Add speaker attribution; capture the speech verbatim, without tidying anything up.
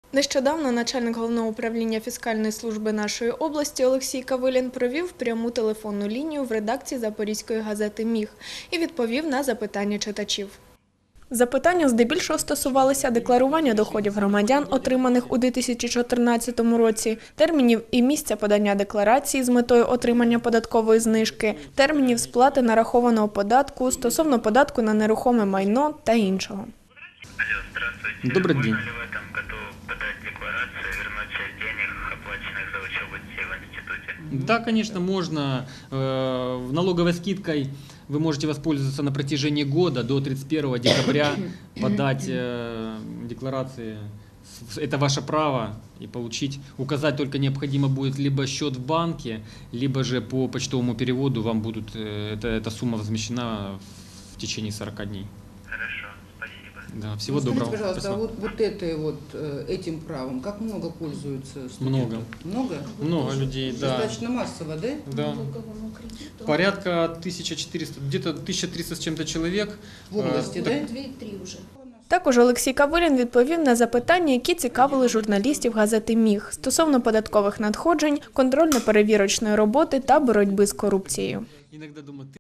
Speaker 1: Нещодавно начальник Головного управління фіскальної служби нашої області Олексій Кавилін провів пряму телефонну лінію в редакції Запорізької газети «Міг» і відповів на запитання читачів. Запитання здебільшого стосувалися декларування доходів громадян, отриманих у дві тисячі чотирнадцятому році, термінів і місця подання декларації з метою отримання податкової знижки, термінів сплати нарахованого податку, стосовно податку на нерухоме майно та іншого.
Speaker 2: Алло, здравствуйте.
Speaker 3: Добрый день.
Speaker 2: Можно ли в этом году подать декларацию и вернуть часть денег, оплаченных за учебу детей в институте?
Speaker 3: Да, конечно, можно. Э, в налоговой скидкой вы можете воспользоваться на протяжении года до тридцать первого декабря, подать э, декларации. Это ваше право и получить. Указать только необходимо будет либо счет в банке, либо же по почтовому переводу вам будут э, эта, эта сумма возмещена в течение сорока дней.
Speaker 2: Хорошо, спасибо.
Speaker 3: Да, всего
Speaker 4: Ну, скажите,
Speaker 3: доброго.
Speaker 4: пожалуйста,
Speaker 3: Спасибо.
Speaker 4: вот, вот этой вот, э, этим правом, как много пользуются студенты?
Speaker 3: Много.
Speaker 4: Много?
Speaker 3: Много людей, да.
Speaker 4: Достаточно массово, да?
Speaker 3: Да. Порядка тысяча четыреста, где-то тысяча триста с чем-то человек.
Speaker 4: В области,
Speaker 3: Э,
Speaker 4: да?
Speaker 5: Дві-три вже.
Speaker 1: Також Олексій Кавилін відповів на запитання, які цікавили журналістів газети «Міг» стосовно податкових надходжень, контрольно-перевірочної роботи та боротьби з корупцією.
Speaker 3: Иногда думаю,